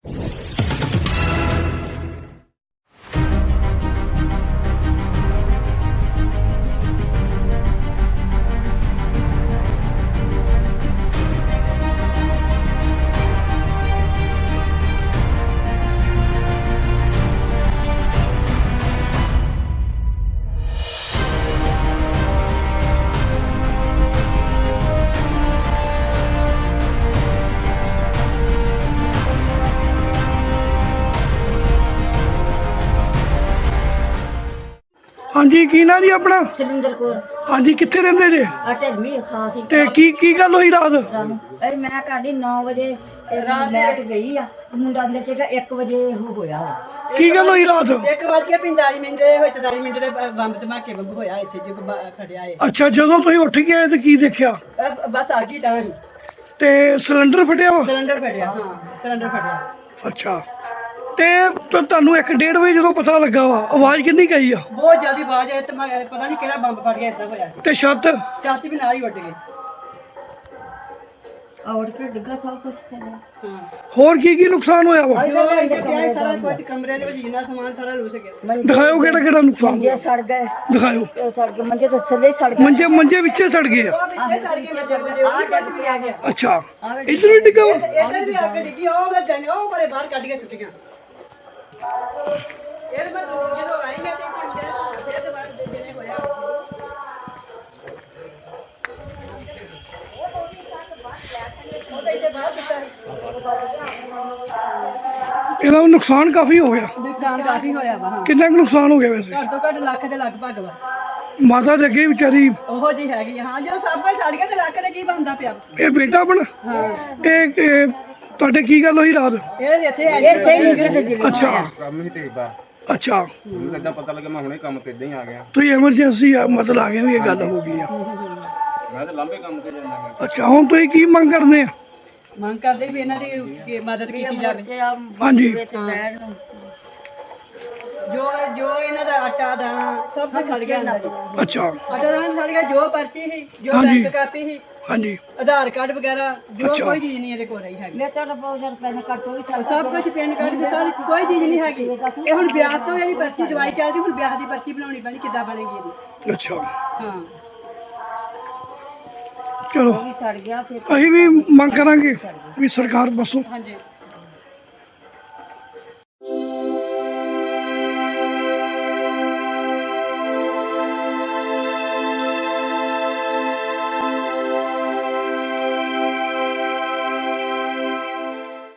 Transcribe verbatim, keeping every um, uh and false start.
हाँ जी की ना जी अपना सुरिंदर कौर। हाँ जी कितने रहंदे जे ढलवी खास ते की की गल होई रात अरे मैं कहानी नौ बजे लाइट गई आ मुंडा अंदर चढ़ा एक बजे होया की गल होई रात एक बज के पैंताली मिनट ਦੇ ਵਿੱਚ ਚਾਲੀ ਮਿੰਟ ਦੇ ਬੰਬ ਧਮਾਕੇ ਵਾਂਗੂ ਹੋਇਆ ਇੱਥੇ ਜੋ ਫੜਿਆ ਏ। अच्छा ਜਦੋਂ ਤੁਸੀਂ ਉੱਠ ਕੇ ਆਏ ਤੇ ਕੀ ਦੇਖਿਆ ਬਸ ਆ ਗਈ ਤਾਂ ਤੇ ਸਿਲੰਡਰ ਫਟਿਆ ਵਾ ਸਿਲੰਡਰ ਫਟਿਆ। ਹਾਂ ਸਿਲੰਡਰ ਫਟਿਆ। ਅੱਛਾ ਤੇ ਤੁਹਾਨੂੰ ਇੱਕ ਡੇਢ ਵਜੇ ਜਦੋਂ ਪਤਾ ਲੱਗਾ ਵਾ ਆਵਾਜ਼ ਕਿੰਨੀ ਗਈ ਆ ਬਹੁਤ ਜਲਦੀ ਆਵਾਜ਼ ਆਈ ਤੇ ਪਤਾ ਨਹੀਂ ਕਿਹੜਾ ਬੰਬ ਫਟ ਗਿਆ ਇਦਾਂ ਹੋਇਆ ਸੀ। ਤੇ ਛੱਤ ਛੱਤ ਵੀ ਨਾਲ ਹੀ ਉੱਡ ਗਈ। और के डिग्गा सब कुछ चला। ਹਾਂ ਹੋਰ ਕੀ ਕੀ ਨੁਕਸਾਨ ਹੋਇਆ ਵਾ ਜੋ ਇੱਥੇ ਪਿਆ ਸਾਰਾ ਕੁਝ ਕਮਰੇ ਦੇ ਵਿੱਚ ਜਿੰਨਾ ਸਮਾਨ ਸਾਰਾ ਲੁੱਟ ਗਿਆ। ਦਿਖਾਓ ਕਿਹੜਾ ਕਿਹੜਾ ਨੁਕਸਾਨ मंजे सड़ गए ਦਿਖਾਓ ये सड़ गए मंजे तो थल्ले सड़ गए ਮੰਜੇ ਮੰਜੇ ਵਿੱਚੇ ਸੜ ਗਏ ਆ ਉਹ ਵਿੱਚੇ ਸੜ ਕੇ ਮੰਜੇ ਮੰਜੇ ਉਹ ਜੱਜ ਪਿਆ ਗਿਆ। ਅੱਛਾ ਇੱਧਰ ਵੀ ਡਿੱਗਾ ਵਾ ਇੱਧਰ ਵੀ ਆ ਕੇ ਡਿੱਗੀ ਉਹ ਮੈਂ ਜਾਣੇ ਉਹ ਬਾਰੇ ਬਾਹਰ ਕੱਢ ਕੇ ਸੁੱਟੀਆਂ। ਇਹ ਮੈਂ ਜਦੋਂ ਆਈ ਮੈਂ ਤੇ ਅੰਦਰ ਫਿਰ ਤੇ ਬਾਅਦ ਜਿਹਨੇ ਹੋਇਆ ਉਹ ਤਾਂ ਇੱਥੇ ਬਾਹਰ ਦਿੱਤਾ ਇਹਦਾ ਨੁਕਸਾਨ ਕਾਫੀ ਹੋ ਗਿਆ ਨੁਕਸਾਨ ਕਾਫੀ ਹੋਇਆ ਵਾ। ਹਾਂ ਕਿੰਨਾ ਕੁ ਨੁਕਸਾਨ ਹੋ ਗਿਆ ਵੈਸੇ ਘੱਟ ਤੋਂ ਘੱਟ ਲੱਖ ਦੇ ਲਗਭਗ ਵਾ। ਮਾਤਾ ਦੇ ਅੱਗੇ ਵਿਚਾਰੀ ਉਹੋ ਜੀ ਹੈਗੀ। ਹਾਂ ਜਦੋਂ ਸਭ ਕੁਝ ਸੜ ਗਿਆ ਤੇ ਲੱਖ ਦੇ ਕੀ ਬਣਦਾ ਪਿਆ। ਇਹ ਬੇਟਾ ਆਪਣਾ ਹਾਂ ਇਹ ਇਹ ਤੁਹਾਡੇ ਕੀ ਗੱਲ ਹੋਈ ਰਾਤ ਇਹ ਇੱਥੇ ਹੈ ये सही नहीं से दिल ਅੱਛਾ ਕੰਮ ਹੀ ਤੇ ਬਾਹਰ ਅੱਛਾ ਮੈਨੂੰ ਲੱਗਾ ਪਤਾ ਲੱਗਾ ਮੈਂ ਹੁਣੇ ਕੰਮ ਤੇ ਇਦਾਂ ਹੀ ਆ ਗਿਆ। ਤੁਸੀਂ ਐਮਰਜੈਂਸੀ ਆ ਮਤਲਬ ਆ ਗਏ ਵੀ ਇਹ ਗੱਲ ਹੋ ਗਈ ਆ ਮੈਂ ਤਾਂ ਲੰਬੇ ਕੰਮ ਤੇ ਜਾਂਦਾ ਹਾਂ। ਅੱਛਾ ਹੁਣ ਤੁਸੀਂ ਕੀ ਮੰਗ ਕਰਦੇ ਆ ਮੰਗ ਕਰਦੇ ਵੀ ਇਹਨਾਂ ਦੀ ਕੀ ਮਦਦ ਕੀਤੀ ਜਾਵੇ। ਹਾਂਜੀ ਜੋ ਜੋ ਇਹਨਾਂ ਦਾ ਆਟਾ ਦਾਣਾ ਸਭ ਕੁਝ ਸੜ ਗਿਆ ਅੰਦਰ ਜੀ। ਅੱਛਾ ਆਟਾ ਦਾਣਾ ਸੜ ਗਿਆ। ਜੋ ਪਰਚੀ ਸੀ ਜੋ ਹਾਂਜੀ। ਬੈਂਕ ਕਾਪੀ ਸੀ ਹਾਂਜੀ ਆਧਾਰ ਕਾਰਡ ਵਗੈਰਾ ਜੋ ਅੱਛਾ। ਕੋਈ ਚੀਜ਼ ਨਹੀਂ ਇਹਦੇ ਕੋਲ ਰਹੀ ਹੈਗੀ। मैं तो बहुत ज्यादा पैसे कर तो ਉਹ ਸਭ ਕੁਝ ਪੈਨ ਕਾਰਡ ਵੀ ਸਾਰੀ ਕੋਈ ਚੀਜ਼ ਨਹੀਂ ਹੈਗੀ। ਇਹ ਹੁਣ ਵਿਆਹ ਤੋਂ ਇਹਦੀ ਪਰਚੀ ਦਵਾਈ ਚੱਲਦੀ ਹੁਣ ਵਿਆਹ ਦੀ ਪਰਚੀ ਬਣਾਉਣੀ ਪੈਣੀ ਕਿੱਦਾਂ ਬਣੇਗੀ ਇਹਦੀ। ਅੱਛਾ ਹਾਂ ਚਲੋ सड़ गया फिर ਅਸੀਂ ਵੀ ਮੰਗ ਕਰਾਂਗੇ ਵੀ ਸਰਕਾਰ ਬਸੋ ਹਾਂਜੀ